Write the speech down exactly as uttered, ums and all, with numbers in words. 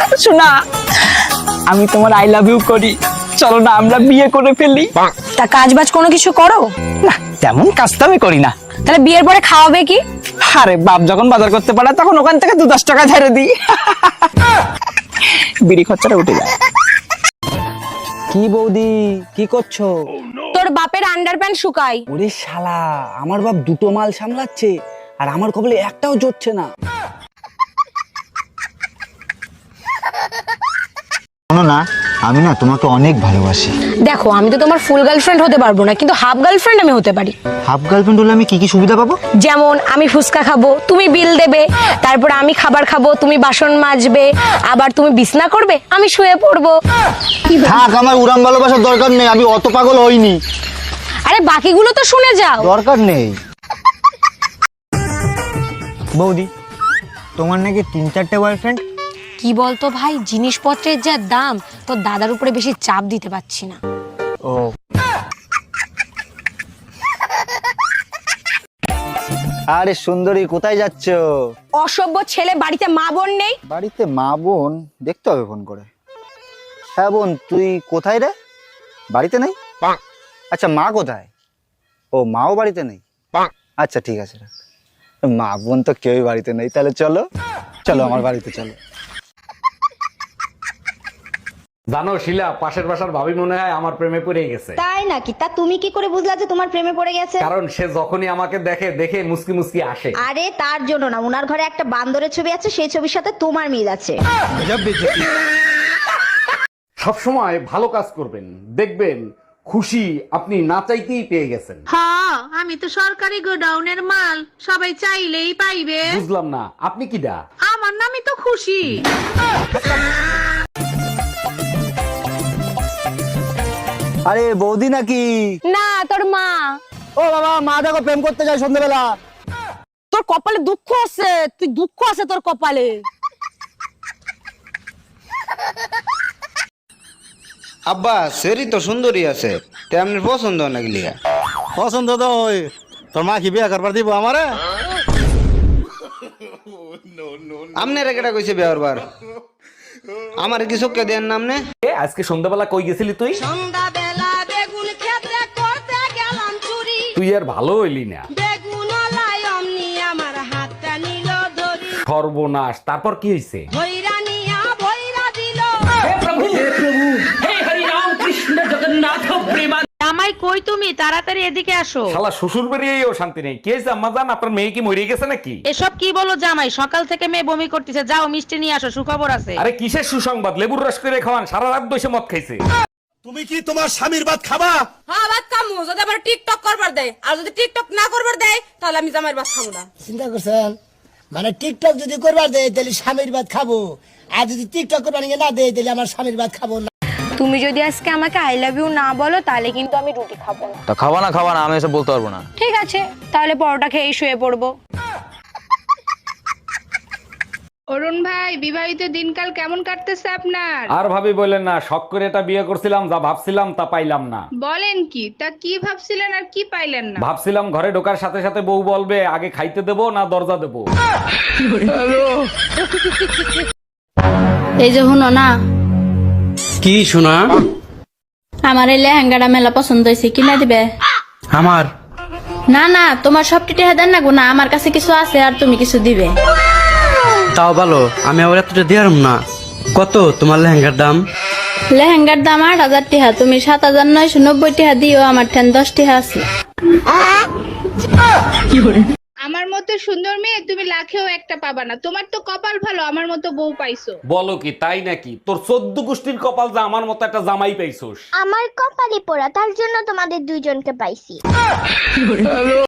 শোনা, আমি তোমার আই লাভ ইউ করি, চলো না আমরা বিয়ে করে ফেলি। তা কাজ বাজ কোনো কিছু করো না, তেমন কাজ তো আমি করি না। তাহলে বিয়ের পরে খাওয়াবে কি? আরে বাপ যখন বাজার করতে পারে তখন ওখান থেকে দু দশ টাকা ছেড়ে দিই, বিড়ি খরচাটা উঠে যায়। কি বৌদি কি করছো? তোর বাপের আন্ডারপ্যান্ট শুকাই। ওরে শালা, আমার বাপ দুটো মাল সামলাচ্ছে আর আমার কপালে একটাও জুটছে না। শোনো না, আমি না তোমাকে অনেক ভালোবাসি। দেখো, আমি তো তোমার ফুল গার্লফ্রেন্ড হতে পারবো না, কিন্তু হাফ গার্লফ্রেন্ড আমি হতে পারি। হাফ গার্লফ্রেন্ড হলে আমি কি কি সুবিধা পাবো? যেমন আমি ফুচকা খাবো, তুমি বিল দেবে, তারপর আমি খাবার খাবো, তুমি বাসন মাজবে, আবার তুমি বিছনা করবে, আমি শুয়ে পড়বো। থাক, আমার উড়ান ভালোবাসার দরকার নেই, আমি অত পাগল হইনি। আরে বাকিগুলো তো শুনে যাও। দরকার নেই। বৌদি, তোমার নাকি তিন চারটে বয়ফ্রেন্ড? কি বলতো ভাই, জিনিসপত্রের যা দাম, তোর দাদার উপরে বেশি চাপ দিতে পারছি না। ও, আরে সুন্দরী, কোথায় যাচ্ছো? অসভ্য ছেলে, বাড়িতে মা বোন নেই? বাড়িতে মা বোন দেখতে হবে ফোন করে। হ্যাঁ বোন, তুই কোথায় রে? বাড়িতে নেই? আচ্ছা, মা কোথায়? ও, মাও বাড়িতে নেই? আচ্ছা ঠিক আছে, রাখ। মা বোন তো কেউই বাড়িতে নেই, তাহলে চলো চলো আমার বাড়িতে চলো। জানো শিলা, পাশের বাসার ভাবি মনে হয় আমার প্রেমে পড়ে গেছে। তাই নাকি? তা তুমি কি করে বুঝলা যে তোমার প্রেমে পড়ে গেছে? কারণ সে যখনই আমাকে দেখে দেখে মুসকি মুসকি আসে। আরে তার জন্য না, উনার ঘরে একটা বান্দরের ছবি আছে, সেই ছবির সাথে তোমার মিল আছে। সবসময় ভালো কাজ করবেন, দেখবেন খুশি আপনি না চাইতেই পেয়ে গেছেন। হ্যাঁ, আমি তো সরকারি গোডাউনের মাল, সবাই চাইলেই পাইবে। বুঝলাম না, আপনি কি ডা? আমার নামই তো খুশি। আরে বৌদি নাকি? না, তোর মা। ও বাবা, মা দেখো প্রেম করতে যায় সন্ধ্যাবেলা। তোর কপালে দুঃখ আছে, তুই দুঃখ আছে তোর কপালে। আব্বা সেরি তো সুন্দরী আছে, তেমনি পছন্দ নাকি লিগা? পছন্দ তো ওই, তোর মা কি বিয়ে করবার দিব আমারে? আমনে রেকেটা কইছে বিয়ার বার, আমার কি চোখকে দেন নামনে? এ, আজকে সন্ধ্যাবেলা কই গেছিলি তুই? সন্ধ্যাবেলা বেগুন ক্ষেত্রে করতে গেলাম চুরি, তুই আর ভালো হইলি না। বেগুন লাই অমনি আমার হাতটা নিল ধরি, সর্বনাশ, তারপর কি হয়েছে? ভৈরা নিয়া ভৈরা দিল। জামাই কই তুমি? তাড়াতাড়ি এদিকে আসো। শালা শ্বশুর বেরিয়েও শান্তি নেই। কে হয়েছে আম্মা জান, আপনার মেয়ে কি মরে গেছে নাকি? এসব কি বলো জামাই? সকাল থেকে মেয়ে বমি করতেছে, যাও মিষ্টি নিয়ে আসো, সুখবর আছে। আরে কিসের সুসংবাদ? লেবুর রস করে খাওয়ান, সারা রাত বসে মদ খাইছে। তুমি কি তোমার স্বামীর ভাত খাবা? হ্যাঁ, ভাত খামু, যদি আবার টিকটক করবার দেয়। আর যদি টিকটক না করবার দেয় তাহলে আমি জামাইয়ের ভাত খাবো না। চিন্তা করছেন? মানে টিকটক যদি করবার দেয় তাহলে স্বামীর ভাত খাবো, আর যদি টিকটক করবার না দেয় তাহলে আমার স্বামীর ভাত খাবো না। তুমি যদি আজকে আমাকে আই লাভ ইউ না বলো, তাহলে কিন্তু আমি রুটি খাবো না। তা খাওয়া না খাওয়া না, আমি এসব বলতে পারবো না। ঠিক আছে, তাহলে পরোটা খেয়ে শুয়ে পড়বো। অরুণ ভাই, বিবাহিত দিনকাল কেমন কাটতেছে আপনার? আর ভাবি বললেন না, শখ করে এটা বিয়ে করছিলাম, যা ভাবছিলাম তা পাইলাম না। বলেন কি? তা কি ভাবছিলেন আর কি পাইলেন না? ভাবছিলাম ঘরে ঢোকার সাথে সাথে বউ বলবে আগে খাইতে দেবো না দরজা দেবো। এই যে শুনো না, কি শোনা? আমার এই লেহেঙ্গাটা মেলা পছন্দ হয়েছে, কিনা দিবে? আমার না না, তোমার সব টিটে দেন না গো, না আমার কাছে কিছু আছে আর তুমি কিছু দিবে। তাও ভালো, আমি আবার এতটা দিয়ারম না। কত তোমার লেহেঙ্গার দাম? লেহেঙ্গার দাম আট হাজার টিহা, তুমি সাত হাজার নয়শো নব্বই টিহা দিও, আমার ঠেন দশ টিহা আছে। আমার মতো সুন্দর মেয়ে তুমি লাখেও একটা পাবা না। তোমার তো কপাল ভালো, আমার মতো বউ পাইছো। বলো কি তাই নাকি? তোর চোদ্দ গোষ্ঠীর কপাল যা আমার মতো একটা জামাই পাইছোস। আমার কপালে পোড়া, তার জন্য তোমাদের দুইজনকে পাইছি।